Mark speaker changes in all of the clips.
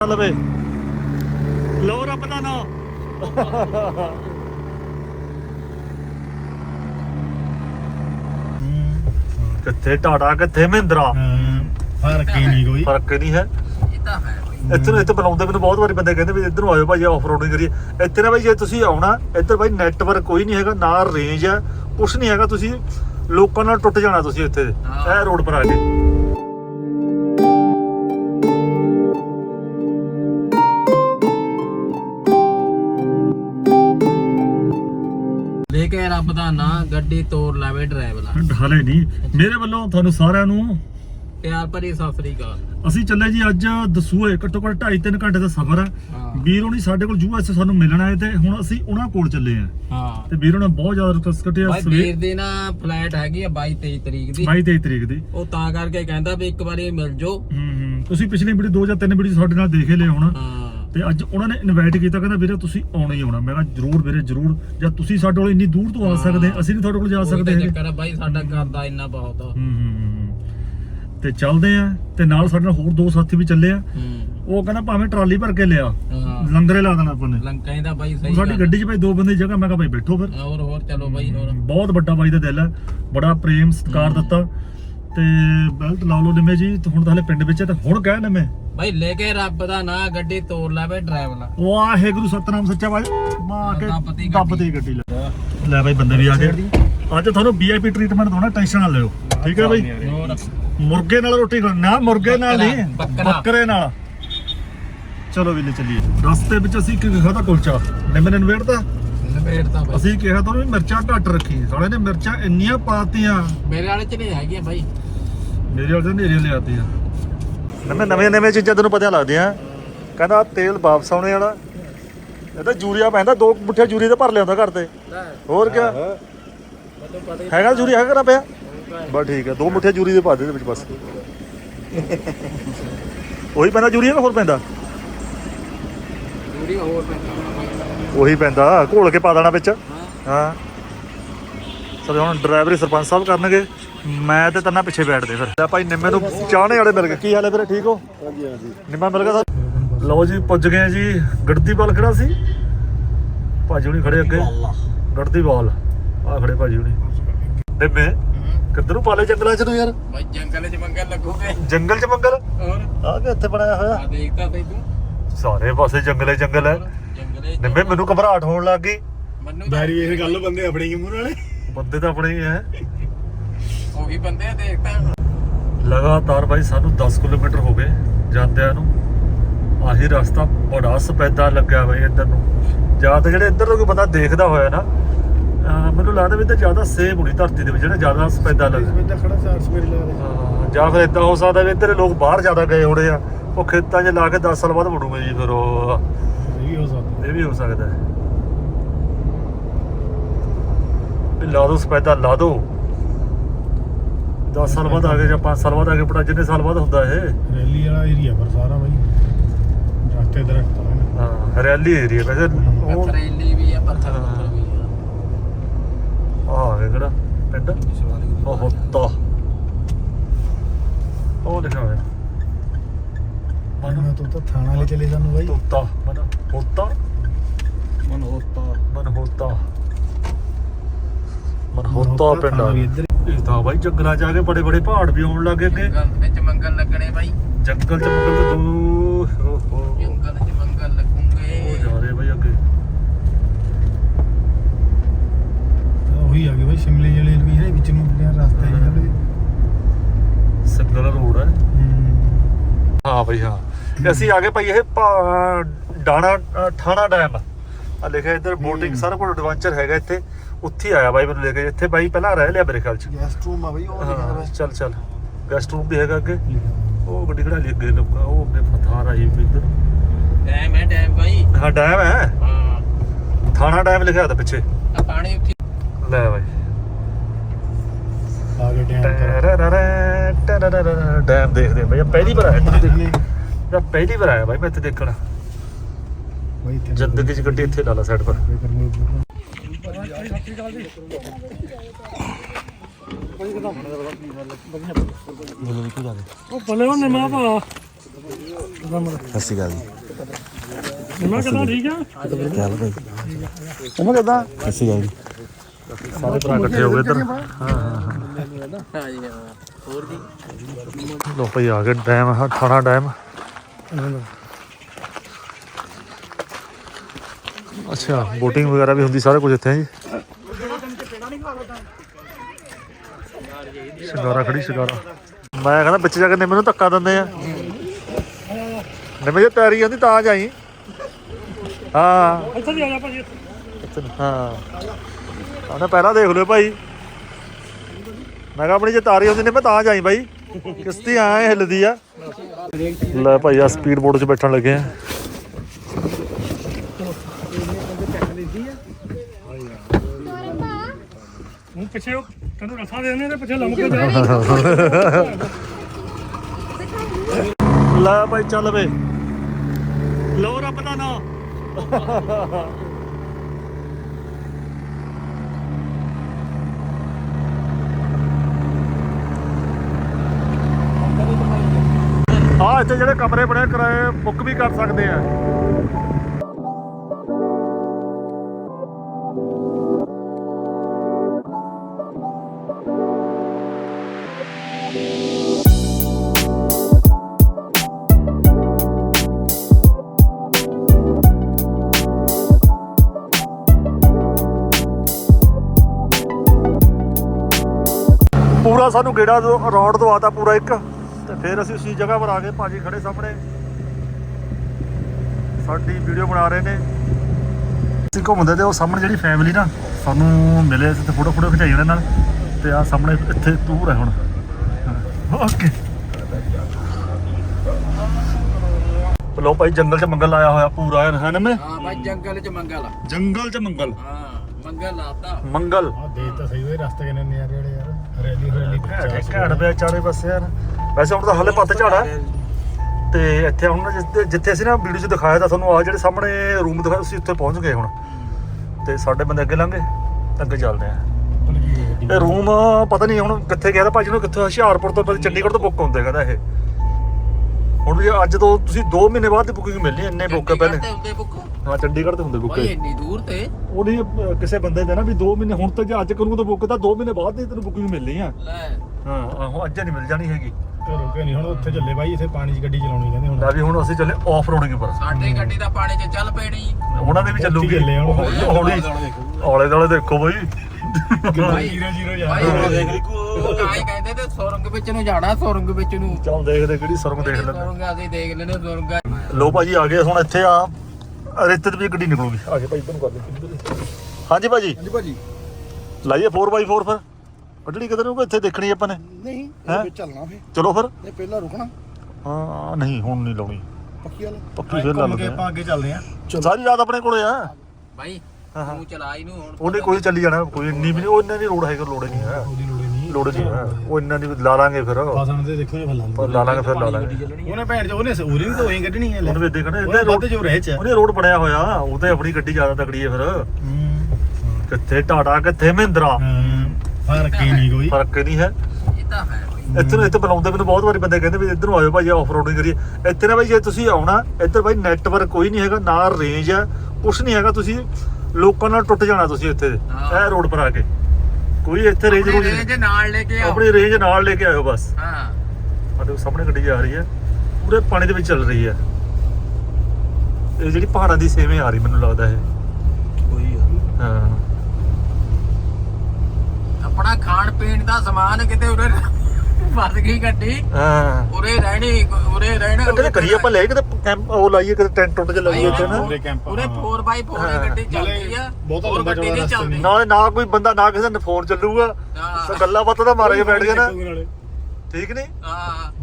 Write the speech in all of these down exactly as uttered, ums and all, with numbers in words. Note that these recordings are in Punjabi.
Speaker 1: ਲਵੇ ਲੋ ਰੱਬ ਦਾ ਨਾਂ ਕਿੱਥੇ ਟਾਟਾ ਕਿੱਥੇ ਮਹਿੰਦਰਾ
Speaker 2: ਫਰਕ ਹੀ ਨਹੀਂ ਕੋਈ
Speaker 1: ਫਰਕ ਨਹੀਂ ਹੈ
Speaker 3: ਇਹ ਤਾਂ ਹੈ
Speaker 1: ਇੱਥੇ ਨੂੰ ਇੱਥੇ ਬੁਲਾਉਂਦੇ ਮੈਨੂੰ ਬਹੁਤ ਵਾਰੀ ਬੰਦੇ ਕਹਿੰਦੇ ਵੀ ਇੱਧਰ ਨੂੰ ਆਇਓ ਭਾਈ ਆਫ ਰੋਡਿੰਗ ਕਰੀਏ ਇੱਥੇ ਨਾ ਭਾਈ ਜੇ ਤੁਸੀਂ ਆਉਣਾ ਇੱਧਰ ਭਾਈ ਨੈਟਵਰਕ ਕੋਈ ਨਹੀਂ ਹੈਗਾ ਨਾ ਰੇਂਜ ਹੈ ਕੁਛ ਨਹੀਂ ਹੈਗਾ ਤੁਸੀਂ ਲੋਕਾਂ ਨਾਲ ਟੁੱਟ ਜਾਣਾ ਤੁਸੀਂ ਇੱਥੇ ਇਹ ਰੋਡ ਪਰ ਆ ਕੇ
Speaker 3: ਲੈ ਕੇ ਰੱਬ ਦਾ ਨਾਂ ਗੱਡੀ ਤੋੜ ਲਾਵੇ ਡਰਾਈਵਰ
Speaker 1: ਹਾਲੇ ਨਹੀਂ ਮੇਰੇ ਵੱਲੋਂ ਤੁਹਾਨੂੰ ਸਾਰਿਆਂ ਨੂੰ
Speaker 3: ਪਿਆਰ ਭਰੀ ਸਤਿ ਸ੍ਰੀ ਅਕਾਲ
Speaker 1: ਅਸੀਂ ਚੱਲੇ ਜੀ ਅੱਜ ਦਸੂਏ ਘੱਟੋ ਘੱਟ ਢਾਈ ਤਿੰਨ ਘੰਟੇ ਦਾ ਸਫ਼ਰ ਹੈ ਵੀਰ ਹੋਣੀ ਸਾਡੇ ਕੋਲ ਯੂ ਐਸ ਸਾਨੂੰ ਮਿਲਣ ਆਏ ਤੇ ਹੁਣ ਅਸੀਂ ਉਹਨਾਂ ਕੋਲ ਚੱਲੇ ਆ
Speaker 3: ਹਾਂ
Speaker 1: ਤੇ ਵੀਰ ਹੋਣਾ ਬਹੁਤ ਜ਼ਿਆਦਾ ਰਿਕਵੈਸਟ ਕੱਟਿਆ
Speaker 3: ਭਾਈ ਵੀਰ ਦੀ ਨਾ ਫਲਾਈਟ ਹੈਗੀ ਆ ਬਾਈ ਤੇਈ ਤਰੀਕ ਦੀ
Speaker 1: ਬਾਈ ਤੇਈ ਤਰੀਕ ਦੀ
Speaker 3: ਉਹ ਤਾਂ ਕਰਕੇ ਕਹਿੰਦਾ ਵੀ ਇੱਕ ਵਾਰੀ ਮਿਲ ਜਾਓ
Speaker 1: ਹੂੰ ਹੂੰ ਤੁਸੀਂ ਪਿਛਲੀ ਵੀਡੀਓ ਦੋ ਜਾਂ ਤਿੰਨ ਵੀਡੀਓ ਸਾਡੇ ਨਾਲ ਦੇਖ ਲਏ ਹੁਣ
Speaker 3: ਹਾਂ
Speaker 1: ਤੇ ਅੱਜ ਉਹਨਾਂ ਨੇ ਇਨਵਾਈਟ ਕੀਤਾ ਕਹਿੰਦਾ ਵੀਰੇ ਤੁਸੀਂ ਆਉਣਾ ਹੀ ਆਉਣਾ ਮੈਂ ਕਿਹਾ ਜਰੂਰ ਵੀਰੇ ਜਰੂਰ ਜਾਂ ਤੁਸੀਂ ਸਾਡੇ ਕੋਲ ਇੰਨੀ ਦੂਰ ਤੋਂ ਆ ਸਕਦੇ ਅਸੀਂ ਨਹੀਂ ਤੁਹਾਡੇ ਕੋਲ ਜਾ ਸਕਦੇ ਹੈਗੇ
Speaker 3: ਚੱਕਰ ਆ ਬਾਈ ਸਾਡਾ ਘਰ ਦਾ ਇੰਨਾ ਬਹੁਤ
Speaker 1: ਹੂੰ ਹੂੰ ਤੇ ਚੱਲਦੇ ਆ ਤੇ ਨਾਲ ਸਾਡੇ ਨਾਲ ਹੋਰ ਦੋ ਸਾਥੀ ਵੀ ਚੱਲੇ ਆ ਉਹ ਕਹਿੰਦਾ ਭਾਵੇਂ ਟਰਾਲੀ ਭਰ ਕੇ ਲਿਆ ਲੰਗਰੇ ਲਾ ਦੇਣਾ ਆਪਾਂ ਨੇ
Speaker 3: ਲੰਕਾਂ ਦਾ ਬਾਈ ਸਹੀ
Speaker 1: ਸਾਡੀ ਗੱਡੀ 'ਚ ਭਾਈ ਦੋ ਬੰਦੇ ਦੀ ਜਗ੍ਹਾ ਮੈਂ ਕਿਹਾ ਭਾਈ ਬੈਠੋ ਫਿਰ
Speaker 3: ਹੋਰ ਹੋਰ ਚਲੋ ਬਾਈ ਹੋਰ
Speaker 1: ਬਹੁਤ ਵੱਡਾ ਬਾਈ ਦਾ ਦਿਲ ਹੈ ਬੜਾ ਪ੍ਰੇਮ ਸਤਿਕਾਰ ਦਿੱਤਾ ਤੇ ਬੈਲਟ ਲਾ ਲਓ ਨਿੰਮੇ ਜੀ ਹੁਣ ਤਾਂ ਹਲੇ ਪਿੰਡ ਵਿੱਚ ਹੈ ਤੇ ਹੁਣ ਕਹਿ ਨਿੰਮੇ
Speaker 3: ਭਾਈ ਲੈ ਕੇ ਰੱਬ ਦਾ ਨਾਂ ਗੱਡੀ ਤੋੜ ਲਾਵੇ ਡਰਾਈਵਰ
Speaker 1: ਵਾਹਿਗੁਰੂ ਸਤਨਾਮ ਸੱਚਾ ਵਾਹਿਗੁਰੂ ਮਾਂ ਕੇ
Speaker 3: ਦੱਬਦੀ
Speaker 1: ਦੱਬਦੀ ਗੱਡੀ ਲੈ ਲੈ ਬਾਈ ਬੰਦੇ ਵੀ ਆ ਗਏ ਅੱਜ ਤੁਹਾਨੂੰ ਵੀ ਆਈ ਪੀ ਟ੍ਰੀਟਮੈਂਟ ਦੋਣਾ ਟੈਨਸ਼ਨ ਨਾ ਲਿਓ ਠੀਕ ਹੈ ਬਾਈ ਮੁਰਗੇ ਨਾਲ ਰੋਟੀ ਖਾਣੀ ਨਾ ਮੁਰਗੇ ਨਾਲ ਨਹੀਂ ਬੱਕਰੇ ਨਾਲ ਚਲੋ ਵੀ ਲੈ ਚੱਲੀਏ ਰਸਤੇ ਵਿੱਚ ਅਸੀਂ ਕੀ ਖਾਦਾ ਕੁਲਚਾ ਨਿੰਮੇ ਨੇ ਨਵੇੜਤਾ
Speaker 3: ਨਵੇੜਤਾ ਬਾਈ
Speaker 1: ਅਸੀਂ ਕਿਹਾ ਤੁਹਾਨੂੰ ਮਿਰਚਾਂ ਘੱਟ ਰੱਖੀ ਸਾਲੇ ਨੇ ਮਿਰਚਾਂ ਇੰਨੀਆਂ ਪਾਤੀਆਂ
Speaker 3: ਮੇਰੇ ਵਾਲੇ ਚ ਨਹੀਂ ਹੈਗੀਆਂ ਬਾਈ
Speaker 1: ਮੇਰੇ ਵਾਲੇ ਨੇ ਨੇਰੀਆਂ ਲਿਆਤੀ ਆ ਨਵੇਂ ਨਵੇਂ ਨਵੇਂ ਚੀਜ਼ਾਂ ਤੈਨੂੰ ਪਤਾ ਲੱਗਦੀਆਂ ਕਹਿੰਦਾ ਤੇਲ ਵਾਪਸ ਆਉਣੇ ਵਾਲਾ ਇਹ ਤਾਂ ਯੂਰੀਆ ਪੈਂਦਾ ਦੋ ਮੁੱਠੇ ਯੂਰੀਆ ਤੇ ਭਰ ਲਿਆਉਂਦਾ ਘਰ ਤੇ ਹੋਰ ਕੀ ਹੈਗਾ ਯੂਰੀਆ ਹੈਗਾ ਕਰਾ ਪਿਆ ਬਸ ਠੀਕ ਹੈ ਦੋ ਮੁੱਠੇ ਯੂਰੀ ਦੇ ਪਾ ਦੇ ਵਿੱਚ ਬਸ ਉਹੀ ਪੈਂਦਾ ਯੂਰੀਆ ਕਿ ਹੋਰ ਪੈਂਦਾ
Speaker 3: ਯੂਰੀਆ ਹੋਰ ਪੈਂਦਾ
Speaker 1: ਉਹੀ ਪੈਂਦਾ ਘੋਲ ਕੇ ਪਾ ਦੇਣਾ ਵਿੱਚ ਹਾਂ ਸਭ ਹੁਣ ਡਰਾਈਵਰੀ ਸਰਪੰਚ ਸਾਹਿਬ ਕਰਨਗੇ ਮੈਂ ਤੇ ਤੰਨਾ ਪਿੱਛੇ ਬੈਠਦੇ ਫਿਰ ਭਾਈ ਨਿੰਮੇ ਨੂੰ ਚਾਹਣੇ ਵਾਲੇ ਮਿਲ ਗਏ ਕੀ ਹਾਲ ਹੈ ਵੀਰੇ ਠੀਕ ਹੋ ਹਾਂਜੀ ਹਾਂਜੀ ਨਿੰਮਾ ਮਿਲ ਗਿਆ ਸਰ ਲਓ ਜੀ ਪੁੱਜ ਗਏ ਜੀ ਗੜਦੀਵਾਲ ਖੜਾ ਸੀ ਭਾਜੀ ਹੁਣੀ ਖੜੇ ਅੱਗੇ ਗੜਦੀਵਾਲ ਆ ਖੜੇ ਭਾਜੀ ਹੁਣੀ ਨਿੰਮੇ ਕਿੱਧਰ ਨੂੰ ਪਾਲੇ ਜੰਗਲਾਂ ਚ ਤੂੰ ਯਾਰ
Speaker 3: ਬਾਈ ਜੰਗਲ ਚ ਮੰਗਲ ਲੱਗੂਗੇ
Speaker 1: ਜੰਗਲ ਚ ਮੰਗਲ
Speaker 3: ਹੋਰ
Speaker 1: ਆ ਕੇ ਇੱਥੇ ਬਣਾਇਆ ਹੋਇਆ
Speaker 3: ਆ ਦੇਖਦਾ ਸਹੀ ਤੂੰ
Speaker 1: ਸਾਰੇ ਪਾਸੇ ਜੰਗਲੇ ਜੰਗਲ ਹੈ
Speaker 3: ਜੰਗਲੇ
Speaker 1: ਨਿੰਮੇ ਮੈਨੂੰ ਘਬਰਾਹਟ ਹੋਣ ਲੱਗ ਗਈ
Speaker 3: ਮੈਨੂੰ
Speaker 2: ਬੈਰੀ ਇਹ ਗੱਲ ਬੰਦੇ ਆਪਣੇ ਹੀ ਮੂੰਹ ਵਾਲੇ
Speaker 1: ਬੰਦੇ ਤਾਂ ਆਪਣੇ ਹੀ ਹੈ
Speaker 3: ਉਹੀ ਬੰਦੇ ਆ ਦੇਖਦਾ
Speaker 1: ਲਗਾਤਾਰ ਬਾਈ ਸਾਨੂੰ ਦਸ ਕਿਲੋਮੀਟਰ ਹੋ ਗਏ ਜਾਂਦਿਆਂ ਨੂੰ ਆਹੀ ਰਸਤਾ ਬੜਾ ਸਪੈਦਾ ਲੱਗਿਆ ਬਾਈ ਇੱਧਰ ਨੂੰ ਜਾਂ ਤਾਂ ਜਿਹੜੇ ਇੱਧਰ ਤੋਂ ਕੋਈ ਬੰਦਾ ਦੇਖਦਾ ਹੋਇਆ ਨਾ ਮੈਨੂੰ ਲੱਗਦਾ ਵੀ ਇੱਧਰ ਜ਼ਿਆਦਾ ਸੇਬ ਹੋਣੀ ਧਰਤੀ ਦੇ ਵਿੱਚ ਜਿਹੜਾ ਜ਼ਿਆਦਾ ਸਪੈਦਾ ਲੱਗਦਾ
Speaker 2: ਖੜਾ ਚਾਰ ਸਵੇਰੇ ਲਾ ਦੇ
Speaker 1: ਜਾਂ ਫਿਰ ਇਦਾਂ ਹੋ ਸਕਦਾ ਵੀ ਇੱਧਰ ਲੋਕ ਬਾਹਰ ਜ਼ਿਆਦਾ ਗਏ ਹੋਣੇ ਆ ਉਹ ਖੇਤਾਂ 'ਚ ਲਾ ਕੇ ਦਸ ਸਾਲ ਬਾਅਦ ਮੁੜੂਗੇ ਜੀ ਫਿਰ ਉਹ
Speaker 2: ਇਹ ਵੀ ਹੋ ਸਕਦਾ
Speaker 1: ਇਹ ਵੀ ਹੋ ਸਕਦਾ ਹੈ ਲਾ ਦੋ ਸਪੈਦਾ ਲਾ ਦੋ ਦਸ ਸਾਲ ਬਾਅਦ ਆ ਗਏ ਜਾਂ ਪੰਜ ਸਾਲ ਬਾਅਦ ਆ ਗਏ ਪੜਾ ਜਿੰਨੇ ਸਾਲ ਬਾਅਦ ਹੁੰਦਾ ਇਹ
Speaker 2: ਰੈਲੀ ਵਾਲਾ ਏਰੀਆ ਪਰ ਸਾਰਾ ਬਾਈ ਦਰਖਤੇ ਦਰਖਤ
Speaker 1: ਹਾਂ ਹਰਿਆਲੀ ਏਰੀਆ ਵੈਸੇ ਉਹ
Speaker 3: ਪਥਰੇਲੀ ਵੀ ਆ ਪੱਥਰ ਪੱਥਰ ਵੀ ਆ
Speaker 1: ਆ ਗਿਆ ਕਿਹੜਾ ਪਿੰਡ ਉਹ ਹੋਤਾ ਉਹ ਲਿਖਿਆ ਹੋਇਆ
Speaker 2: ਮਨ ਤੋਂ ਤਾਂ ਥਾਣਾ ਲੈ ਚਲੇ ਸਾਨੂੰ ਬਾਈ
Speaker 1: ਤੋਤਾ ਮਨ ਹੋਤਾ
Speaker 3: ਮਨ ਹੋਤਾ
Speaker 1: ਮਨ ਹੋਤਾ ਮਨ ਹੋਤਾ ਪਿੰਡ ਆ ਇਹ ਤਾਂ ਬਾਈ ਜੰਗਲਾਂ ਚ ਆ ਕੇ ਬੜੇ ਬੜੇ ਪਹਾੜ ਵੀ ਆਉਣ ਲੱਗੇ ਅੱਗੇ
Speaker 3: ਜੰਗਲ ਵਿੱਚ ਮੰਗਲ ਲੱਗਣੇ ਬਾਈ
Speaker 1: ਜੰਗਲ ਚ ਮੰਗਲ ਤੋਂ ਦੂ ਹੋ ਹੋ
Speaker 3: ਜੰਗਲ ਚ ਮੰਗਲ ਲੱਗੂਗੇ
Speaker 1: ਉਹ ਜਾ ਰਹੇ ਬਾਈ ਅੱਗੇ
Speaker 2: ਉਹੀ ਆ ਗਏ ਬਾਈ ਸ਼ਿਮਲੇ ਜਿਹੜੇ ਵੀ ਹੈ ਵਿੱਚ ਨੂੰ ਰਸਤਾ ਹੈ ਜਿਹੜੇ
Speaker 1: ਸਿੰਗਲ ਰੋਡ ਹੈ ਹਾਂ ਬਾਈ ਹਾਂ ਅਸੀਂ ਆ ਗਏ ਭਾਈ ਇਹ ਡਾਣਾ ਠਾਣਾ ਡੈਮ ਆ ਲਿਖਿਆ ਇੱਧਰ ਬੋਟਿੰਗ ਸਾਰਾ ਕੁਝ ਐਡਵੈਂਚਰ ਹੈਗਾ ਇੱਥੇ ਉੱਥੇ ਆਇਆ ਬਾਈ ਮੈਨੂੰ ਲੈ ਕੇ ਇੱਥੇ ਬਾਈ ਪਹਿਲਾਂ ਰਹਿ ਲਿਆ ਮੇਰੇ ਖਿਆਲ ਚ
Speaker 2: ਗੈਸਟ ਰੂਮ ਆ ਬਾਈ ਉਹ
Speaker 1: ਹਾਂ ਚੱਲ ਚੱਲ ਗੈਸਟ ਰੂਮ ਵੀ ਹੈਗਾ ਅੱਗੇ ਉਹ ਗੱਡੀ ਖੜਾ ਲਈ ਅੱਗੇ ਲੋਕਾਂ ਉਹ ਅੱਗੇ ਫਥਾਰ ਆਈ ਵੀ ਇੱਧਰ
Speaker 3: ਡੈਮ ਹੈ ਡੈਮ ਬਾਈ
Speaker 1: ਹਾਂ ਡੈਮ ਹੈ
Speaker 3: ਹਾਂ
Speaker 1: ਥਾਣਾ ਡੈਮ ਲਿਖਿਆ ਹੁੰਦਾ ਪਿੱਛੇ
Speaker 3: ਆ ਪਾਣੀ ਉੱਥੇ
Speaker 1: ਲੈ ਬਾਈ
Speaker 2: ਆ ਗਏ ਡੈਮ
Speaker 1: ਡੈਮ ਦੇਖਦੇ ਬਾਈ ਪਹਿਲੀ ਵਾਰ ਆਇਆ ਜਾਂ ਪਹਿਲੀ ਵਾਰ ਆਇਆ ਬਾਈ ਮੈਂ ਇੱਥੇ ਦੇਖਣ
Speaker 2: ਬਾਈ
Speaker 1: ਜ਼ਿੰਦਗੀ ਚ ਗੱਡੀ ਇੱਥੇ ਲਾ ਲਾ ਸਾਈਡ ਪਰ
Speaker 2: ਉਹ ਬਲੇ ਉਹਨੇ ਮਾਂ ਭਾ
Speaker 1: ਸਤਿ ਸ਼੍ਰੀ ਅਕਾਲ ਜੀ।
Speaker 2: ਨਿੰਮਾ ਕਿਦਾਂ ਠੀਕ ਆ?
Speaker 1: ਕੀ ਹਾਲ ਭਾਈ?
Speaker 2: ਨਿੰਮਾ ਕਿਦਾਂ?
Speaker 1: ਸਤਿ ਸ਼੍ਰੀ ਅਕਾਲ ਜੀ। ਸਾਰੇ ਭਰਾ ਇਕੱਠੇ ਹੋ ਗਏ ਇੱਧਰ। ਹਾਂ ਹਾਂ ਹਾਂ
Speaker 3: ਹਾਂ ਜੀ ਹਾਂ ਹੋਰ ਜੀ
Speaker 1: ਲੋ ਭਾਈ ਆ ਗਏ ਡੈਮ, ਥਾਣਾ ਡੈਮ। ਅੱਛਾ ਬੋਟਿੰਗ ਵਗੈਰਾ ਵੀ ਹੁੰਦੀ, ਸਾਰਾ ਕੁਝ ਇੱਥੇ ਜੀ। ਸ਼ਿੰਗਾਰਾ ਖੜੀ ਸ਼ਿੰਗਾਰਾ। ਮੈਂ ਕਹਿੰਦਾ ਵਿੱਚ ਜਾ ਕੇ ਨਿੰਮੇ ਨੂੰ ਧੱਕਾ ਦਿੰਦੇ ਆ। ਨਿੰਮੇ ਜੇ ਤੈਰੀ ਆਉਂਦੀ ਤਾਂ ਜਾਈ। ਹਾਂ
Speaker 2: ਇੱਥੇ ਵੀ ਆ ਜਾ ਭਾਜੀ।
Speaker 1: ਹਾਂ ਉਹਨੇ ਪਹਿਲਾਂ ਦੇਖ ਲਿਓ ਭਾਈ। ਮੈਂ ਕਿਹਾ ਆਪਣੀ ਜੇ ਤਾਰੀ ਆਉਂਦੀ ਨੇ ਮੈਂ ਤਾਂ ਜਾਈ ਬਾਈ, ਕਿਸ਼ਤੀ ਐ ਹਿੱਲਦੀ ਆ। ਲੈ ਭਾਈ ਆ ਸਪੀਡ ਬੋਟ 'ਚ ਬੈਠਣ ਲੱਗੇ ਆ।
Speaker 2: ਹੁਣ ਪਿੱਛੇ ਉਹ ਤੈਨੂੰ ਰਸਾ ਦੇ ਦਿੰਦੇ ਤੇ ਪਿੱਛੇ ਲੰਮ ਕੇ ਜਾ।
Speaker 1: ਲੈ ਭਾਈ ਚੱਲ ਵੇ, ਲੋ ਰੱਬ ਦਾ ਨਾਂ। ਆ ਇੱਥੇ ਜਿਹੜੇ ਕਮਰੇ ਬਣੇ ਕਿਰਾਏ ਬੁੱਕ ਵੀ ਕਰ ਸਕਦੇ ਆ। ਪੂਰਾ ਸਾਨੂੰ ਗੇੜਾ ਰੌਂਡ ਦਵਾਤਾ ਪੂਰਾ ਇੱਕ, ਤੇ ਫਿਰ ਅਸੀਂ ਉਸੇ ਜਗ੍ਹਾ ਪਰ ਆ ਗਏ। ਭਾਜੀ ਖੜੇ ਸਾਹਮਣੇ ਸਾਡੀ ਵੀਡੀਓ ਬਣਾ ਰਹੇ ਨੇ। ਅਸੀਂ ਘੁੰਮਦੇ ਤੇ ਉਹ ਸਾਹਮਣੇ ਜਿਹੜੀ ਫੈਮਿਲੀ ਨਾ ਸਾਨੂੰ ਮਿਲੇ ਤੇ ਫੋਟੋ ਫੋਟੋ ਖਿਚਾਈ ਉਹਨਾਂ ਨਾਲ। ਤੇ ਆ ਸਾਹਮਣੇ ਇੱਥੇ ਟੂਰ ਹੈ ਹੁਣ। ਓਕੇ ਲੋ ਭਾਈ ਜੰਗਲ 'ਚ ਮੰਗਲ ਲਾਇਆ ਹੋਇਆ ਪੂਰਾ ਹੈ ਨਾ ਮੈਂ।
Speaker 3: ਹਾਂ ਭਾਈ ਜੰਗਲ ਚ ਮੰਗਲ ਆ।
Speaker 1: ਜੰਗਲ 'ਚ ਮੰਗਲ।
Speaker 3: ਹਾਂ ਮੰਗਲ ਲਾਤਾ
Speaker 1: ਮੰਗਲ
Speaker 2: ਆ ਦੇਖ ਤਾਂ ਸਹੀ ਵੇ ਰਸਤੇ ਕਿੰਨੇ ਨਜ਼ਾਰੇ ਵਾਲੇ ਯਾਰ। ਹਰਿਆਲੀ ਹਰਿਆਲੀ
Speaker 1: ਘਾੜ ਪਿਆ ਚਾਰੇ ਪਾਸੇ ਯਾਰ। ਵੈਸੇ ਹੁਣ ਤਾਂ ਹਲੇ ਪੱਤ ਝਾੜਾ ਤੇ ਇੱਥੇ ਹੁਣ ਜਿੱਥੇ ਜਿੱਥੇ ਅਸੀਂ ਨਾ ਵੀਡੀਓ 'ਚ ਦਿਖਾਇਆ ਤਾਂ ਤੁਹਾਨੂੰ ਆ ਜਿਹੜੇ ਸਾਹਮਣੇ ਰੂਮ ਦਿਖਾਇਆ ਤੁਸੀਂ ਉੱਥੇ ਪਹੁੰਚ ਗਏ ਹੁਣ। ਤੇ ਸਾਡੇ ਬੰਦੇ ਅੱਗੇ ਲੰਘੇ ਅੱਗੇ ਚੱਲਦੇ ਆ। ਇਹ ਰੂਮ ਪਤਾ ਨਹੀਂ ਹੁਣ ਕਿੱਥੇ ਗਿਆ ਤਾਂ ਭਾਜੀ ਨੂੰ, ਕਿੱਥੇ ਹੁਸ਼ਿਆਰਪੁਰ ਤੋਂ ਚੰਡੀਗੜ੍ਹ ਤੋਂ ਬੁੱਕ ਹੁੰਦੇ ਕਹਿੰਦਾ ਇਹ। ਹੁਣ ਵੀ ਅੱਜ ਤੋਂ ਤੁਸੀਂ ਦੋ ਮਹੀਨੇ ਬਾਅਦ ਦੀ ਬੁਕਿੰਗ ਮਿਲਣੀ, ਇੰਨੇ ਬੁੱਕ ਪਹਿਲੇ।
Speaker 3: ਹੁੰਦੇ ਬੁੱਕ
Speaker 1: ਹਾਂ ਚੰਡੀਗੜ੍ਹ ਤੇ ਹੁੰਦੇ ਬੁੱਕ।
Speaker 3: ਭਾਈ ਇੰਨੀ ਦੂਰ ਤੇ
Speaker 1: ਉਹ ਨਹੀਂ ਕਿਸੇ ਬੰਦੇ ਦੇ ਨਾ ਵੀ ਦੋ ਮਹੀਨੇ ਹੁਣ ਤਾਂ ਜੇ ਅੱਜ ਕਰੂੰਗਾ ਤਾਂ ਬੁੱਕ ਤਾਂ ਦੋ ਮਹੀਨੇ ਬਾਅਦ ਦੀ ਤੈਨੂੰ ਬੁਕਿੰਗ ਮਿਲਣੀ ਆ।
Speaker 3: ਲੈ
Speaker 1: ਹਾਂ ਆਹੋ ਅੱਜ ਨਹੀਂ ਮਿਲ ਜਾਣੀ ਹੈਗੀ।
Speaker 2: ਘਰੋਂ ਕਿ ਨਹੀਂ ਹੁਣ ਉੱਥੇ ਚੱਲੇ ਬਾਈ, ਇੱਥੇ ਪਾਣੀ 'ਚ ਗੱਡੀ ਚਲਾਉਣੀ ਕਹਿੰਦੇ ਹੁਣ।
Speaker 1: ਲੈ ਵੀ ਹੁਣ ਅਸੀਂ ਚੱਲੇ ਆਫ ਰੋਡਿੰਗ ਪਰ।
Speaker 3: ਸਾਡੀ ਗੱਡੀ ਤਾਂ ਪਾਣੀ 'ਚ ਚੱਲ ਪੈਣੀ।
Speaker 1: ਉਹਨਾਂ ਦੇ ਵੀ ਚੱਲੂਗੀ
Speaker 2: ਚੱਲੇ ਹੁਣ।
Speaker 1: ਹੌਲੀ ਆਲੇ ਦੁਆਲੇ ਦੇਖੋ ਬਾਈ।
Speaker 3: ਭਾਈ
Speaker 2: ਜੀਰੋ ਜੀਰੋ ਜਾ
Speaker 3: ਭਾਈ ਉਹ ਤਾਂ ਹੀ ਕਹਿੰਦੇ ਤੇ ਸੁਰੰਗ ਵਿੱਚ ਨੂੰ ਜਾਣਾ, ਸੁਰੰਗ ਵਿੱਚ ਨੂੰ।
Speaker 1: ਚੱਲ ਦੇਖਦੇ ਕਿਹੜੀ ਸੁਰੰਗ ਦੇਖ ਲੈਂਦੇ।
Speaker 3: ਸੁਰੰਗ ਅਸੀਂ ਦੇਖ ਲੈਨੇ ਸੁਰੰਗ।
Speaker 1: ਲੋ ਭਾਜੀ ਆ ਗਏ ਹੁਣ ਇੱਥੇ ਆ ਰੇਤੇ ਤੇ ਵੀ ਗੱਡੀ ਨਿਕਲੂਗੀ। ਆ ਗਏ ਭਾਈ ਤੁਹਾਨੂੰ ਕਰ ਦੇ। ਹਾਂਜੀ ਭਾਜੀ।
Speaker 2: ਹਾਂਜੀ ਭਾਜੀ
Speaker 1: ਲਾਈਏ ਫੋਰ ਬਾਈ ਫੋਰ ਫਿਰ ਕੱਢਣੀ ਕਿਧਰ ਨੂੰ? ਇੱਥੇ ਦੇਖਣੀ ਆਪਾਂ ਨੇ।
Speaker 2: ਨਹੀਂ
Speaker 1: ਹੈਂ?
Speaker 2: ਚੱਲਣਾ ਫੇ
Speaker 1: ਚਲੋ ਫਿਰ।
Speaker 2: ਇਹ ਪਹਿਲਾਂ ਰੁਕਣਾ
Speaker 1: ਹਾਂ ਨਹੀਂ ਹੁਣ ਨਹੀਂ ਲਾਉਣੀ
Speaker 2: ਪੱਕੀ ਵਾਲਾ।
Speaker 1: ਪੱਕੀ ਫਿਰ ਲਾ ਲੈਂਦੇ
Speaker 2: ਆਪਾਂ ਅੱਗੇ ਚੱਲਦੇ ਆ।
Speaker 1: ਆ। ਸਾਰੀ ਰਾਤ ਆਪਣੇ ਕੋਲੇ ਆ।
Speaker 3: ਭਾਈ
Speaker 1: ਹਾਂ, ਹਾਂ।
Speaker 3: ਤੂੰ ਚਲਾ ਇਹਨੂੰ ਹੁਣ।
Speaker 1: ਉਹਨੇ ਕੋਈ ਚੱਲੀ ਜਾਣਾ, ਕੋਈ ਇੰਨੀ ਵੀ ਨਹੀਂ। ਉਹ ਇੰਨਾ ਨਹੀਂ ਲੋੜ ਹੈਗਾ, ਲੋੜ ਨਹੀਂ ਹੈ।
Speaker 2: ਉਹਦੀ ਲੋੜ ਨਹੀਂ
Speaker 1: ਲੋੜ ਨਹੀਂ ਹੈ ਉਹ ਇੰਨਾ ਨਹੀਂ ਲਾ ਲਾਂਗੇ ਫਿਰ।
Speaker 2: ਫਸਣ ਦੇ ਦੇਖੋ ਨੇ ਫਲਾਂਦੇ
Speaker 1: ਪਰ ਲਾ ਲਾਂਗੇ ਫਿਰ ਲਾ ਲਾਂਗੇ।
Speaker 2: ਉਹਨੇ ਭੈਣ ਜੋ ਉਹਨੇ ਉਰੇ ਵੀ ਤਾਂ ਉਹੀ ਕੱਢਣੀ ਹੈ।
Speaker 1: ਉਹਨੇ ਵੀ ਦੇਖਣਾ
Speaker 2: ਉਹਨੇ
Speaker 1: ਇਹਦੇ
Speaker 2: ਰੋਡ ਜੋ ਰਹੇ ਚ
Speaker 1: ਉਹਨੇ ਰੋਡ ਬਣਿਆ ਹੋਇਆ, ਉਹ ਤੇ ਆਪਣੀ ਗੱਡੀ ਜ਼ਿਆਦਾ ਤਕੜੀ ਹੈ ਫਿਰ।
Speaker 2: ਹੂੰ
Speaker 1: ਕਿੱਥੇ ਟਾਟਾ ਕਿੱਥੇ ਮਹਿੰਦਰਾ,
Speaker 2: ਹਾਂ ਫਰਕ ਹੀ ਨਹੀਂ ਕੋਈ।
Speaker 1: ਫਰਕ ਨਹੀਂ ਹੈ।
Speaker 3: ਇਹ ਤਾਂ ਹੈ ਭਾਈ।
Speaker 1: ਇੱਥੇ ਨੂੰ ਇੱਥੇ ਬੁਲਾਉਂਦੇ ਮੈਨੂੰ ਬਹੁਤ ਵਾਰੀ ਬੰਦੇ ਕਹਿੰਦੇ ਵੀ ਇੱਧਰ ਨੂੰ ਆਇਓ ਭਾਈ ਆਫ ਰੋਡਿੰਗ ਕਰੀਏ। ਇੱਥੇ ਨਾ ਭਾਈ ਜੇ ਤੁਸੀਂ ਆਉਣਾ ਇੱਧਰ ਭਾਈ ਨੈਟਵਰਕ ਕੋਈ ਨਹੀਂ ਹੈਗਾ, ਨਾ ਰੇਂਜ ਹੈ, ਕੁਛ ਨਹੀਂ ਹੈਗਾ। ਤੁਸੀਂ ਲੋਕਾਂ ਨਾਲ ਟੁੱਟ ਜਾਣਾ ਤੁਸੀਂ ਇੱਥੇ ਇਹ ਰੋਡ ਪਰ ਆ ਕੇ। ਕੋਈ ਇੱਥੇ ਰੇਂਜ ਰੂੰਜ ਨਹੀਂ।
Speaker 3: ਰੇਂਜ ਨਾਲ ਲੈ ਕੇ ਆਓ।
Speaker 1: ਆਪਣੀ ਰੇਂਜ ਨਾਲ ਲੈ ਕੇ ਆਇਓ ਬਸ।
Speaker 3: ਹਾਂ
Speaker 1: ਸਾਡੇ ਸਾਹਮਣੇ ਗੱਡੀ ਜਾ ਰਹੀ ਹੈ, ਪੂਰੇ ਪਾਣੀ ਦੇ ਵਿੱਚ ਚੱਲ ਰਹੀ ਹੈ। ਇਹ ਜਿਹੜੀ ਪਹਾੜਾਂ ਦੀ ਸੇਵੇਂ ਆ ਰਹੀ ਮੈਨੂੰ ਲੱਗਦਾ ਇਹ
Speaker 2: ਕੋਈ ਆ
Speaker 1: ਹਾਂ।
Speaker 3: ਆਪਣਾ ਖਾਣ ਪੀਣ ਦਾ ਸਮਾਨ ਕਿਤੇ ਉਰੇ ਫਸ ਗਈ ਗੱਡੀ।
Speaker 1: ਹਾਂ
Speaker 3: ਉਰੇ ਰਹਿਣੀ, ਉਰੇ ਰਹਿਣਾ।
Speaker 1: ਕਿਤੇ ਕਰੀਏ ਆਪਾਂ ਲੈ ਕਿਤੇ ਕੈਂਪ ਉਹ ਲਾਈਏ, ਕਿਤੇ ਟੈਂਟ ਟੁੱਟ ਚ ਲਾਈਏ ਇੱਥੇ ਨਾ।
Speaker 2: ਪੂਰੇ ਕੈਂਪ
Speaker 3: ਉਰੇ ਫੋਰ ਬਾਈ ਫੋਰ ਗੱਡੀ ਚੱਲਦੀ ਆ।
Speaker 2: ਬਹੁਤਾ
Speaker 3: ਹੋਰ
Speaker 2: ਲੰਬਾ
Speaker 3: ਗੱਡੀ
Speaker 2: ਚੌੜਾ
Speaker 3: ਨਹੀਂ
Speaker 2: ਰਸਤਾ
Speaker 3: ਚੱਲਦੀ।
Speaker 1: ਨਾਲੇ ਨਾ ਕੋਈ ਬੰਦਾ, ਨਾ ਕਿਸੇ ਨੇ ਫੋਨ ਚੱਲੂਗਾ।
Speaker 3: ਹਾਂ।
Speaker 1: ਸੋ ਗੱਲਾਂ ਬਾਤਾਂ ਤਾਂ ਮਾਰੇ ਕੇ ਬੈਠ ਗਏ ਨਾ, ਠੀਕ ਨਹੀਂ
Speaker 3: ਹਾਂ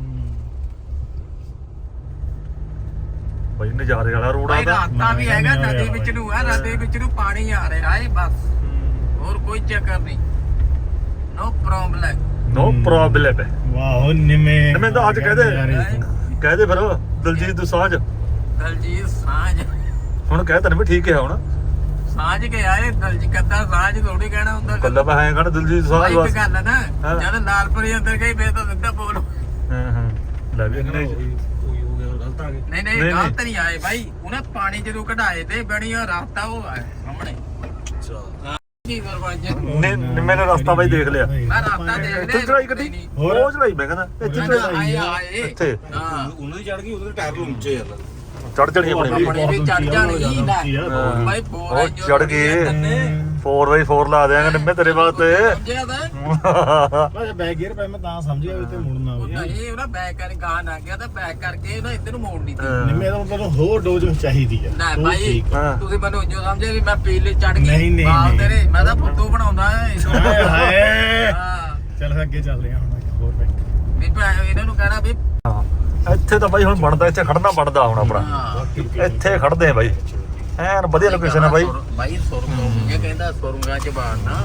Speaker 1: ਬਾਈ ਨਜ਼ਾਰੇ ਵਾਲਾ ਰੋਡ
Speaker 3: ਭਾਈ
Speaker 1: ਆਦਾ।
Speaker 3: ਰਾਸਤਾ ਵੀ ਹੈਗਾ, ਨਦੀ ਵਿੱਚ ਨੂੰ ਆ, ਨਦੀ ਵਿੱਚ ਨੂੰ ਪਾਣੀ ਆ ਰਿਹਾ ਹੈ ਬਸ, ਹੋਰ ਕੋਈ ਚੱਕਰ ਨਹੀਂ। ਨੋ ਪ੍ਰੋਬਲਮ
Speaker 1: ਨੋ ਪ੍ਰੋਬਲਮ ਹੈ।
Speaker 2: ਵਾਹ ਨਿੰਮੇ
Speaker 1: ਨਿੰਮੇ ਤਾਂ ਅੱਜ ਕਹਦੇ ਕਹਦੇ ਫਿਰ ਦਲਜੀਤ ਦੋਸਾਂਝ।
Speaker 3: ਦਲਜੀਤ ਸਾਂਝ
Speaker 1: ਹੁਣ ਕਹਿ ਤੈਨੂੰ ਵੀ ਠੀਕ ਹੈ ਹੁਣ।
Speaker 3: ਸਾਂਝ ਕੇ ਆਏ ਦਲਜੀਤ ਕੱਦਾ ਸਾਂਝ ਥੋੜੀ ਕਹਿਣਾ ਹੁੰਦਾ।
Speaker 1: ਕੱਲਾ ਮੈਂ ਐਂ ਕਹਣਾ ਦਲਜੀਤ ਦੋਸਾਂਝ
Speaker 3: ਇੱਕ
Speaker 1: ਬਸ।
Speaker 3: ਗੱਲ ਹੈ ਨਾ,
Speaker 1: ਹਾਂ।
Speaker 3: ਜਦ ਲਾਲਪੁਰੀ ਅੰਦਰ ਗਈ ਫੇਰ ਤਾਂ ਸਿੱਧਾ ਬੋਲੋ।
Speaker 1: ਹਾਂ ਹਾਂ ਲੈ ਵੀ ਇਹਨੇ
Speaker 2: ਆ ਗਏ
Speaker 3: ਨਹੀਂ ਨਹੀਂ ਗਲਤ ਨਹੀਂ ਆਏ ਬਾਈ ਉਹਨੇ ਪਾਣੀ ਜਦੋਂ ਕਢਾਏ ਤੇ ਬਣੀ ਉਹ ਰਸਤਾ ਉਹ ਆਇਆ ਸਾਹਮਣੇ ਕੀ ਸਰਪੰਚ
Speaker 1: ਨੇ ਨਿੰਮੇ ਨੇ ਰਸਤਾ ਬਾਈ ਦੇਖ ਲਿਆ
Speaker 3: ਮੈਂ ਰਸਤਾ ਦੇਖ
Speaker 1: ਇੱਥੇ
Speaker 3: ਲਿਆ
Speaker 1: ਚੜਾਈ ਕੱਢੀ ਉਹ ਚੜਾਈ ਮੈਂ ਕਹਿੰਦਾ ਇੱਥੇ ਚੜਾਈ
Speaker 3: ਆਏ ਆਏ
Speaker 1: ਇੱਥੇ
Speaker 3: ਹਾਂ
Speaker 2: ਉਹਨਾਂ ਦੀ ਚੜ ਗਈ ਉਹਦੇ ਟਾਇਰ ਨੂੰ ਉੱਚੇ ਯਾਰ
Speaker 1: ਚੜ ਜਣੀ ਆਪਣੀ
Speaker 3: ਆਪਣੇ ਵੀ ਚੜ ਜਾਣਗੀ ਨਾ ਬਾਈ ਬੋਲ
Speaker 1: ਉਹ ਚੜ ਗਏ ਫੋਰ ਬਾਈ ਫੋਰ ਲਾ ਦਿਆਂਗੇ ਨਿੰਮੇ ਤੇਰੇ ਵਾਸਤੇ
Speaker 3: ਸਮਝਿਆ ਤਾਂ
Speaker 2: ਬਸ ਬੈਕ ਗੇਅਰ ਪੈ ਮੈਂ ਤਾਂ ਸਮਝ ਗਿਆ ਵੀ ਤੇ ਮੁੜਨਾ
Speaker 3: ਉਹ
Speaker 2: ਵੀ
Speaker 3: ਨਹੀਂ ਉਹਦਾ ਬੈਕ ਕਰਕੇ ਗਾਹ ਨਾ ਗਿਆ ਤਾਂ ਬੈਕ ਕਰਕੇ ਉਹਦਾ ਇੱਧਰ ਨੂੰ ਮੋੜ ਨਹੀਂ ਤੀ
Speaker 2: ਨਿੰਮੇ ਦਾ ਮਤਲਬ ਹੋਰ ਡੋਜ਼ ਚਾਹੀਦੀ ਆ
Speaker 3: ਨਾ
Speaker 2: ਉਹ
Speaker 3: ਭਾਈ
Speaker 2: ਠੀਕ ਆ।
Speaker 1: ਹਾਂ।
Speaker 3: ਤੁਸੀਂ ਮੈਨੂੰ ਜੋ ਸਮਝੇ ਵੀ ਮੈਂ ਪੀਲੇ ਚੜ ਗਈ
Speaker 2: ਨਹੀਂ, ਨਹੀਂ,
Speaker 3: ਬਾਲ
Speaker 2: ਨਹੀਂ।
Speaker 3: ਤੇਰੇ ਮੈਂ ਤਾਂ ਫੁੱਟੂ ਬਣਾਉਂਦਾ
Speaker 2: ਹਾਏ ਹਾਏ
Speaker 3: ਹਾਂ
Speaker 2: ਚੱਲ ਅੱਗੇ ਚੱਲਦੇ ਆ ਹੁਣ ਹੋਰ ਬੈਕ
Speaker 3: ਵੀ ਭੈ- ਇਹਨਾਂ ਨੂੰ ਕਹਿਣਾ ਵੀ
Speaker 1: ਹਾਂ। ਇੱਥੇ ਤਾਂ ਬਾਈ ਹੁਣ ਬਣਦਾ ਇੱਥੇ ਖੜਨਾ ਬਣਦਾ ਹੁਣ ਆਪਣਾ
Speaker 3: ਹਾਂ
Speaker 1: ਇੱਥੇ ਖੜਦੇ ਆ ਬਾਈ ਐਨ ਵਧੀਆ ਲੋਕੇਸ਼ਨ ਹੈ ਬਾਈ
Speaker 3: ਬਾਈ ਸੁਰੰਗ ਇਹ ਕਹਿੰਦਾ ਸੁਰੰਗਾਂ ਚ ਬਾੜਨਾ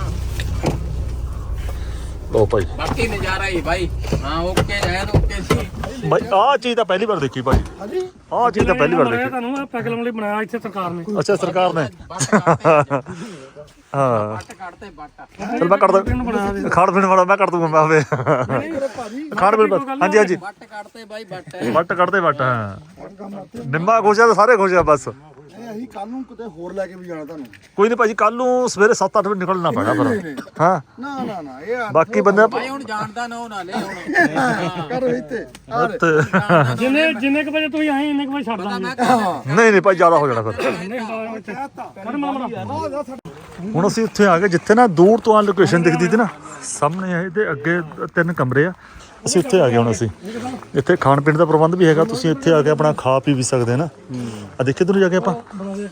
Speaker 1: ਲੋ ਭਾਈ
Speaker 3: ਬਾਕੀ ਨਜ਼ਾਰਾ ਹੀ ਬਾਈ ਹਾਂ ਓਕੇ ਐਨ ਓਕੇ ਸੀ
Speaker 1: ਬਾਈ ਆਹ ਚੀਜ਼ ਤਾਂ ਪਹਿਲੀ ਵਾਰ ਦੇਖੀ ਭਾਈ ਹਾਂਜੀ ਆਹ ਚੀਜ਼ ਤਾਂ ਪਹਿਲੀ ਵਾਰ ਦੇਖੀ
Speaker 4: ਤੁਹਾਨੂੰ ਇਹ ਪੈਗ ਲਾਉਣ ਲਈ ਬਣਾਇਆ ਇੱਥੇ ਸਰਕਾਰ ਨੇ
Speaker 1: ਅੱਛਾ ਸਰਕਾਰ ਨੇ
Speaker 3: ਬੱਟ ਕੱਢਦੇ
Speaker 1: ਹਾਂ
Speaker 3: ਬੱਟ ਕੱਢਦੇ ਬੱਟ
Speaker 1: ਚਲ ਮੈਂ ਕੱਢਦਾ ਖਾਣ ਪੀਣ ਵਾਲਾ ਮੈਂ ਕੱਢ ਦੂੰਗਾ ਮੈਂ ਆਵੇ ਖਾਣ ਪੀਣ ਬਸ ਹਾਂਜੀ ਹਾਂਜੀ
Speaker 3: ਬੱਟ ਕੱਢਦੇ ਬਾਈ ਬੱਟ
Speaker 1: ਵੱਟ ਕੱਢਦੇ ਵੱਟ ਹਾਂ ਨਿੰਮਾ ਖੁਸ਼ ਆ ਤਾਂ ਸਾਰੇ ਖੁਸ਼ ਆ ਬਸ
Speaker 5: ਅਸੀਂ ਕੱਲ ਨੂੰ ਕਿਤੇ ਹੋਰ ਲੈ ਕੇ ਵੀ ਜਾਣਾ ਤੁਹਾਨੂੰ
Speaker 1: ਕੋਈ ਨਹੀਂ ਭਾਜੀ ਕੱਲ ਨੂੰ ਸਵੇਰੇ ਸੱਤ ਅੱਠ ਵਜੇ ਨਿਕਲਣਾ ਪੈਣਾ ਫਿਰ ਹਾਂ
Speaker 5: ਨਾ ਨਾ ਨਾ ਇਹ
Speaker 1: ਬਾਕੀ ਬੰਦੇ
Speaker 3: ਬਾਈ ਹੁਣ ਜਾਣਦਾ ਨਾ ਉਹ ਨਾਲੇ ਹੁਣ
Speaker 5: ਕਰ ਇੱਥੇ ਆ ਲੈ।
Speaker 1: ਤੇ-
Speaker 4: ਜਿੰਨੇ ਜਿੰਨੇ ਕੁ ਵਜੇ ਤੁਸੀਂ ਆਏ ਇੰਨੇ ਕੁ ਵਜੇ ਛੱਡ ਦਾਂਗੇ
Speaker 3: ਮੈਂ ਕਹਿੰਦਾ
Speaker 1: ਨਹੀਂ ਨਹੀਂ ਭਾਈ ਜ਼ਿਆਦਾ ਹੋ ਜਾਣਾ ਫਿਰ
Speaker 4: ਮਰ ਮਾਮਲਾ
Speaker 1: ਹੁਣ ਅਸੀਂ ਉੱਥੇ ਆ ਗਏ ਜਿੱਥੇ ਨਾ ਦੂਰ ਤੋਂ ਆ ਲੋਕੇਸ਼ਨ ਦਿਖਦੀ ਸੀ ਨਾ ਸਾਹਮਣੇ ਇਹ ਤੇ ਅੱਗੇ ਤਿੰਨ ਕਮਰੇ ਆ ਅਸੀਂ ਉੱਥੇ ਆ ਗਏ ਹੁਣ ਅਸੀਂ ਇੱਥੇ ਖਾਣ ਪੀਣ ਦਾ ਪ੍ਰਬੰਧ ਵੀ ਹੈਗਾ ਤੁਸੀਂ ਇੱਥੇ ਆ ਕੇ ਆਪਣਾ ਖਾ ਪੀ ਵੀ ਸਕਦੇ ਨਾ ਆ ਦੇਖੇ ਤੁਹਾਨੂੰ ਜਾ ਕੇ ਆਪਾਂ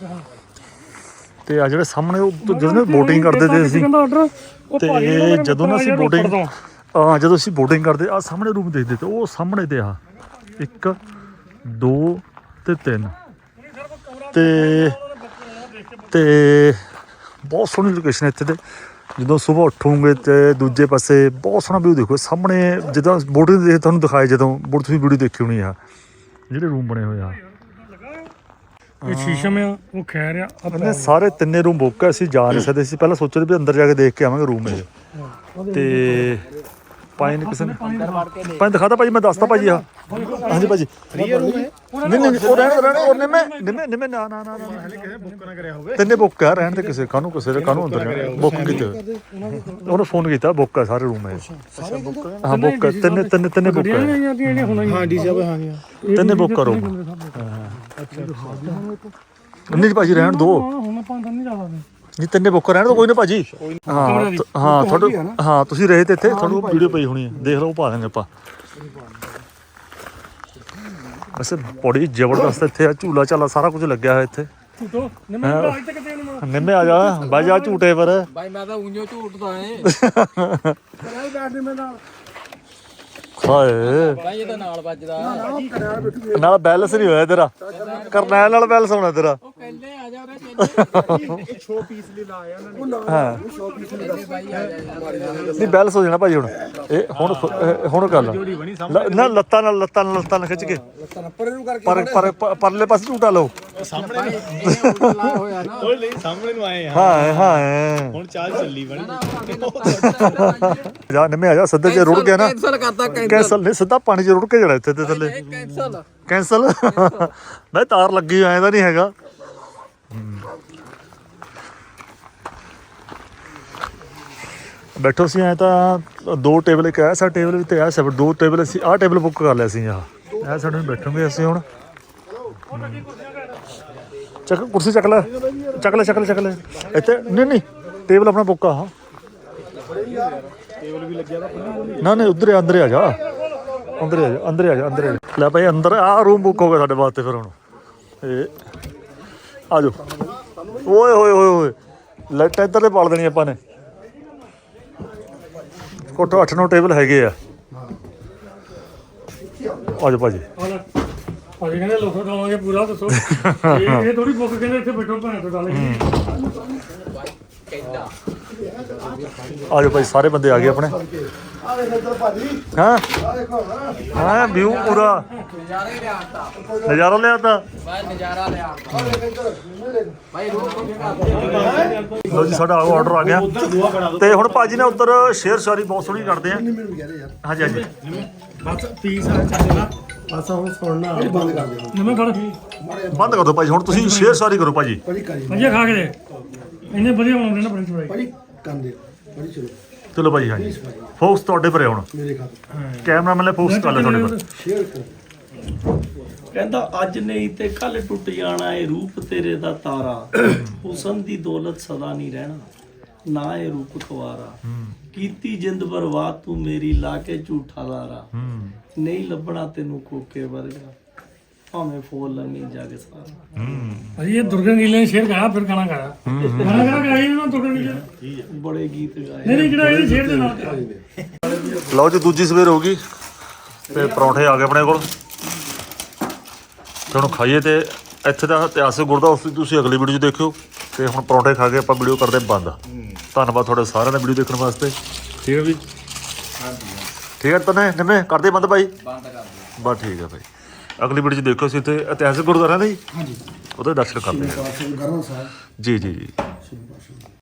Speaker 1: ਤੇ ਆ ਜਿਹੜੇ ਸਾਹਮਣੇ ਉਹ ਜਦੋਂ ਬੋਟਿੰਗ ਕਰਦੇ ਤੇ ਅਸੀਂ
Speaker 4: ਕਹਿੰਦਾ ਆਰਡਰ ਉਹ ਭਾਈ
Speaker 1: ਤੇ ਜਦੋਂ ਨਾ ਅਸੀਂ ਬੋਟਿੰਗ ਹਾਂ ਜਦੋਂ ਅਸੀਂ ਬੋਟਿੰਗ ਕਰਦੇ ਆ ਸਾਹਮਣੇ ਰੂਮ ਦੇਖਦੇ ਤੇ ਉਹ ਸਾਹਮਣੇ ਤੇ ਆ ਇੱਕ ਦੋ ਤੇ ਤਿੰਨ ਤੇ ਤੇ ਬਹੁਤ ਸੋਹਣੀ ਲੋਕੇਸ਼ਨ ਇੱਥੇ ਤੇ ਜਦੋਂ ਸਵੇਰ ਉੱਠੋਗੇ ਤੇ ਦੂਜੇ ਪਾਸੇ ਬਹੁਤ ਸੋਹਣਾ ਵਿਊ ਦੇਖੋ ਸਾਹਮਣੇ ਜਿੱਦਾਂ ਬੋਟਿੰਗ ਦੇ ਤੁਹਾਨੂੰ ਦਿਖਾਏ ਜਦੋਂ ਬੋਟ ਤੁਸੀਂ ਵੀਡੀਓ ਦੇਖੀ ਹੋਣੀ ਆ ਜਿਹੜੇ ਰੂਮ ਬਣੇ ਹੋਏ ਆ
Speaker 4: ਇਹ ਸ਼ੀਸ਼ਮ ਆ ਉਹ ਖੈਰ ਆ
Speaker 1: ਇਹਨੇ ਸਾਰੇ ਤਿੰਨੇ ਰੂਮ ਬੁੱਕ ਆ ਅਸੀਂ ਜਾ ਨਹੀਂ ਸਕਦੇ ਸੀ ਪਹਿਲਾਂ ਸੋਚਦੇ ਵੀ ਅੰਦਰ ਜਾ ਕੇ ਦੇਖ ਕੇ ਆਵਾਂਗੇ ਰੂਮ ਇਹ ਤੇ ਪਾਣੀ ਕਿਸੇ ਨੇ ਪਾਣੀ ਦਿਖਾਤਾ ਭਾਜੀ ਮੈਂ ਦੱਸਤਾ ਭਾਜੀ ਆ ਹਾਂਜੀ ਭਾਜੀ ਨਹੀਂ ਨਹੀਂ ਉਹ ਰਹਿਣ ਰਹਿਣ ਉਹ ਨਿੰਮੇ ਨਿੰਮੇ ਨਿੰਮੇ ਨਾ ਨਾ ਨਾ ਨਾ
Speaker 2: ਕਿਸੇ ਬੁੱਕ ਨਾ ਕਰਿਆ ਹੋਵੇ
Speaker 1: ਤਿੰਨੇ ਬੁੱਕ ਆ ਰਹਿਣ ਤੇ ਕਿਸੇ ਕਾਹਨੂੰ ਕਿਸੇ ਦੇ ਕਾਹਨੂੰ ਅੰਦਰ ਬੁੱਕ ਕੀਤੇ ਉਹਨੇ ਫੋਨ ਕੀਤਾ ਬੁੱਕ ਆ ਸਾਰੇ ਰੂਮ ਹੈ ਹਾਂ ਬੁੱਕ ਆ, ਤਿੰਨੇ ਤਿੰਨੇ ਤਿੰਨੇ ਬੁੱਕ ਆ
Speaker 4: ਜਿਹੜੀਆਂ ਜਿਹੜੀਆਂ ਹੁਣ
Speaker 2: ਹਾਂ ਡੀ ਸਾਹਿਬ ਹਾਂ ਗਿਆ
Speaker 1: ਤਿੰਨੇ ਬੁੱਕ ਕਰੋ ਨਹੀਂ ਭਾਜੀ ਰਹਿਣ ਦੋ
Speaker 4: ਹੁਣ ਆਪਾਂ ਅੰਦਰ ਨਹੀਂ ਜਾ ਸਕਦੇ
Speaker 1: ਨਹੀਂ ਤਿੰਨੇ ਬੁੱਕ ਰਹਿਣ ਦੋ ਕੋਈ ਨਾ ਭਾਜੀ ਹਾਂ ਤ- ਹਾਂ ਤੁਹਾਡੇ ਹਾਂ ਤੁਸੀਂ ਰਹੇ ਤੇ ਇੱਥੇ ਤੁਹਾਨੂੰ ਵੀਡੀਓ ਪਈ ਹੋਣੀ ਹੈ ਦੇਖ ਲਓ ਪਾ ਦਾਂਗੇ ਆਪਾਂ ਵੈਸੇ ਬੜੀ ਜ਼ਬਰਦਸਤ ਇੱਥੇ ਆ ਝੂਲਾ ਝਾਲਾ ਸਾਰਾ ਕੁਝ ਲੱਗਿਆ ਹੋਇਆ ਇੱਥੇ
Speaker 4: ਝੂਟੋ ਨਿੰਮੇ ਦਾ ਅੱਜ ਤੱਕ ਤੇ ਨਹੀਂ
Speaker 1: ਨਿੰਮੇ ਆ ਜਾ ਬਾਈ ਜਾ ਝੂਟੇ ਪਰ
Speaker 3: ਬਾਈ ਮੈਂ ਤਾਂ ਉਂਝੋ ਝੂਟਦਾ ਏ
Speaker 1: ਹਾਏ
Speaker 3: ਬਾਈ ਇਹਦਾ ਨਾਲ ਵੱਜਦਾ
Speaker 1: ਨਾਲ ਬੈਲੈਂਸ ਨਹੀਂ ਹੋਇਆ ਤੇਰਾ ਕਰਨੈਲ ਨਾਲ ਬੈਲੈਂਸ ਹੋਣਾ ਤੇਰਾ
Speaker 3: ਉਹ ਕਹਿੰਦੇ ਆ ਜਾ ਉਹਦੇ
Speaker 2: ਸ਼ੋ ਪੀਸ ਲਈ ਲਾਇਆ ਉਹਨਾਂ ਨੇ
Speaker 1: ਹਾਂ
Speaker 3: ਕਹਿੰਦੇ ਬਾਈ ਆ ਜਾ ਯਾਰ
Speaker 1: ਨਹੀਂ ਬੈਲੈਂਸ ਹੋ ਜਾਣਾ ਭਾਜੀ ਹੁਣ ਇਹ ਹੁਣ ਇਹ ਹੁਣ ਕਰ ਲ- ਨਾ ਲੱਤਾਂ ਨਾਲ ਲੱਤਾਂ ਨਾਲ ਲੱਤਾਂ ਨਾਲ ਖਿੱਚ ਕੇ
Speaker 5: ਪਰੇ ਨੂੰ ਕਰਕੇ
Speaker 1: ਪਰ ਪਰ ਪਰ- ਪਰਲੇ ਪਾਸੇ ਝੂਟਾ ਲਓ
Speaker 2: ਸਾਹਮਣੇ
Speaker 3: ਇਹ ਉਲਟਾ ਹੋਇਆ ਨਾ
Speaker 2: ਉਹ ਲਈ ਸਾਹਮਣੇ ਨੂੰ ਆਏ ਆ
Speaker 1: ਹਾਂ ਹਾਂ
Speaker 2: ਹੁਣ ਚਾਲ ਚੱਲੀ ਬਣੀ
Speaker 1: ਜਾ ਨਿੰਮੇ ਆ ਜਾ ਸਿੱਧਾ ਜੇ ਰੁੜ ਗਿਆ ਨਾ
Speaker 3: ਕੈਂਸਲ ਕਰਤਾ
Speaker 1: ਕੈਂਸਲ ਨਹੀਂ ਸਿੱਧਾ ਪਾਣੀ 'ਚ ਰੁੜ ਕੇ ਜਾਣਾ ਇੱਥੇ ਤੇ ਥੱਲੇ
Speaker 3: ਇਹ ਕੈਂਸਲ
Speaker 1: ਕੈਂਸਲ ਮੈਂ ਤਾਰ ਲੱਗੀ ਐ ਤਾਂ ਨਹੀਂ ਹੈਗਾ ਬੈਠੋ ਸੀ ਐ ਤਾਂ ਦੋ ਟੇਬਲ ਇੱਕ ਐਸਾ ਟੇਬਲ ਵੀ ਤੇ ਐਸਾ ਦੋ ਟੇਬਲ ਅਸੀਂ ਆਹ ਟੇਬਲ ਬੁੱਕ ਕਰ ਲਿਆ ਸੀ ਆਹ ਇਹ ਸਾਡੇ ਨੂੰ ਬੈਠੋਗੇ ਅਸੀਂ ਹੁਣ ਚੱਕ ਕੁਰਸੀ ਚੱਕ ਲੈ ਚੱਕ ਲੈ ਚੱਕ ਲੈ ਚੱਕ ਲੈ ਇੱਥੇ ਨਹੀਂ ਨਹੀਂ ਟੇਬਲ ਆਪਣਾ ਬੁੱਕ ਆ
Speaker 2: ਟੇਬਲ ਵੀ ਲੱਗਿਆ ਵਾ
Speaker 1: ਨਾ ਨਹੀਂ ਉਧਰ ਅੰਦਰ ਆ ਜਾ ਅੰਦਰ ਆ ਜਾ ਅੰਦਰ ਆ ਜਾ ਅੰਦਰ ਆ ਜਾ ਲੈ ਭਾਈ ਅੰਦਰ ਆ ਰੂਮ ਬੁੱਕ ਹੋ ਗਿਆ ਸਾਡੇ ਵਾਸਤੇ ਫਿਰ ਹੁਣ ਇਹ ਆ ਜਾਓ ਓਏ ਹੋਏ ਹੋਏ ਹੋਏ ਲਾਈਟਾਂ ਇੱਧਰ ਤੇ ਪਾਲ ਦੇਣੀ ਆਪਾਂ ਨੇ ਕੋਟੋ ਅੱਠ ਨੌ ਟੇਬਲ ਹੈਗੇ ਆ ਆ ਜਾਓ ਭਾਜੀ
Speaker 4: ਭਾਜੀ ਕਹਿੰਦੇ ਲੋਕਾਂ ਦਵਾਂਗੇ ਪੂਰਾ ਦੱਸੋ ਇਹ ਇਹ ਥੋੜੀ ਬੁੱਕ ਕਹਿੰਦੇ ਇੱਥੇ ਬੈਠੋ ਭੈਣ ਤੋਂ ਗੱਲ
Speaker 1: ਆ ਜਾਓ ਭਾਈ ਸਾਰੇ ਬੰਦੇ ਆ ਗਏ ਆਪਣੇ
Speaker 5: ਆ ਦੇਖ ਇੱਧਰ ਭਾਜੀ
Speaker 1: ਹਾਂ
Speaker 5: ਆ ਦੇਖੋ ਨਾ
Speaker 1: ਹਾਂ ਵਿਊ ਪੂਰਾ
Speaker 3: ਨਜ਼ਾਰਾ ਹੀ ਲਿਆਤਾ
Speaker 1: ਨਜ਼ਾਰਾ ਲਿਆਤਾ
Speaker 3: ਬਾਈ ਨਜ਼ਾਰਾ ਲਿਆਤਾ
Speaker 5: ਆ ਦੇਖ ਇੱਧਰ ਨਿੰਮੇ ਦੇਖ
Speaker 3: ਬਾਈ ਰੂਪ ਕਿੱਥੇ ਕਰਦੇ
Speaker 1: ਲੋ ਜੀ ਸਾਡਾ ਆਰਡਰ ਆ ਗਿਆ ਤੇ ਹੁਣ ਭਾਜੀ ਨੇ ਉੱਧਰ ਸ਼ੇਅਰ ਸ਼ਾਰੀ ਬਹੁਤ ਸੋਹਣੀ ਕਰਦੇ ਆ
Speaker 5: ਨਿੰਮੇ ਨੂੰ ਕਹਿ ਰਹੇ ਯਾਰ
Speaker 1: ਹਾਂਜੀ ਹਾਂਜੀ
Speaker 2: ਬਸ ਪੀਸ ਆ ਚੱਲਣਾ ਬਸ ਹੁਣ ਸੁਣਨਾ
Speaker 5: ਭਾਜੀ ਬੰਦ ਕਰ ਦਿਓ
Speaker 4: ਨਵੇਂ ਫੜ
Speaker 1: ਬੰਦ ਕਰ ਦਿਓ ਭਾਜੀ ਹੁਣ ਤੁਸੀਂ ਸ਼ੇਅਰ ਸਾਰੀ ਕਰੋ ਭਾਜੀ
Speaker 5: ਭਾਜੀ ਕਰੀ
Speaker 4: ਵਧੀਆ ਖਾ ਕੇ ਦੇ ਇੰਨੇ ਵਧੀਆ ਬਣਾਉਂਦੇ ਨਾ ਫਰੈਂਚ ਫਰਾਈ
Speaker 5: ਭਾਜੀ ਕੰਨ ਦਿਓ ਭਾਜੀ ਚਲੋ
Speaker 1: ਚਲੋ ਭਾਜੀ ਹਾਂਜੀ ਫੋਕਸ ਤੁਹਾਡੇ ਪਰੇ ਹੁਣ
Speaker 5: ਮੇਰੇ ਖਾਤੇ
Speaker 1: ਕੈਮਰਾਮੈਨ ਨੇ ਫੋਕਸ ਕਰ ਲਿਆ ਤੁਹਾਡੇ ਪਰ
Speaker 5: ਸ਼ੇਅਰ ਕਰੋ
Speaker 6: ਕਹਿੰਦਾ ਅੱਜ ਨਹੀਂ ਤੇ ਕੱਲ ਟੁੱਟ ਜਾਣਾ ਏ ਰੂਪ ਤੇਰੇ ਦਾ ਤਾਰਾ ਹੁਸਨ ਦੀ ਦੌਲਤ ਸਦਾ ਨਹੀਂ ਰਹਿਣਾ ਨਾ ਇਹ ਰੂਪ ਖਵਾਰਾ ਕੀਤੀ ਜਿੰਦ ਬਰਬਾਦ ਤੂੰ ਮੇਰੀ ਲਾ ਕੇ ਝੂਠਾ ਲਾਰਾ ਨਹੀਂ ਲੱਭਣਾ ਤੈਨੂੰ ਕੋਕੇ ਵਰਗਾ ਭਾਵੇਂ ਫੋਲ ਲੰਮੀ ਜਗ ਸਾਰਾ
Speaker 4: ਅਜੀ ਇਹ ਦੁਰਗਨ ਨੀਲੇ ਨੇ ਸ਼ੇਰ ਗਾਇਆ ਫਿਰ ਗਾਣਾ ਗਾਇਆ ਗਾਣਾ ਗਾਣਾ ਗਾਇਆ ਇਹਨਾਂ ਦੁਰਗਨ ਨੀਲੇ
Speaker 6: ਬੜੇ ਗੀਤ ਗਾਏ
Speaker 4: ਨਹੀਂ ਨਹੀਂ ਜਿਹੜਾ ਇਹ ਸ਼ੇਰ ਦੇ ਨਾਲ
Speaker 1: ਲਓ ਜੀ ਦੂਜੀ ਸਵੇਰ ਹੋ ਗਈ ਤੇ ਪਰੌਂਠੇ ਆ ਗਏ ਆਪਣੇ ਕੋਲ ਤੇ ਹੁਣ ਖਾਈਏ ਤੇ ਇੱਥੇ ਦਾ ਇਤਿਹਾਸਕ ਗੁਰਦਾ ਉਸ ਦੀ ਤੁਸੀਂ ਅਗਲੀ ਵੀਡੀਓ 'ਚ ਦੇਖਿਓ ਤੇ ਹੁਣ ਪਰੌਂਠੇ ਖਾ ਕੇ ਆਪਾਂ ਵੀਡੀਓ ਕਰਦੇ ਬੰਦ ਧੰਨਵਾਦ ਤੁਹਾਡੇ ਸਾਰਿਆਂ ਦਾ ਵੀਡੀਓ ਦੇਖਣ ਵਾਸਤੇ ਠੀਕ ਹੈ ਜੀ ਠੀਕ ਹੈ ਤਨੇ ਨਿੰਮੇ ਕਰਦੇ ਬੰਦ ਭਾਈ
Speaker 3: ਬੰਦ ਕਰ ਦਿਓ
Speaker 1: ਬਸ ਠੀਕ ਹੈ ਭਾਈ ਅਗਲੀ ਵੀਡੀਓ 'ਚ ਦੇਖਿਓ ਅਸੀਂ ਇੱਥੇ ਇਤਿਹਾਸਕ ਗੁਰਦੁਆਰਾ ਨਾ ਜੀ
Speaker 5: ਹਾਂਜੀ
Speaker 1: ਉਹਦੇ ਦਰਸ਼ਨ ਕਰਦੇ ਹਾਂ
Speaker 5: ਗਰਮ ਸਾਹਿਬ
Speaker 1: ਜੀ ਜੀ ਜੀ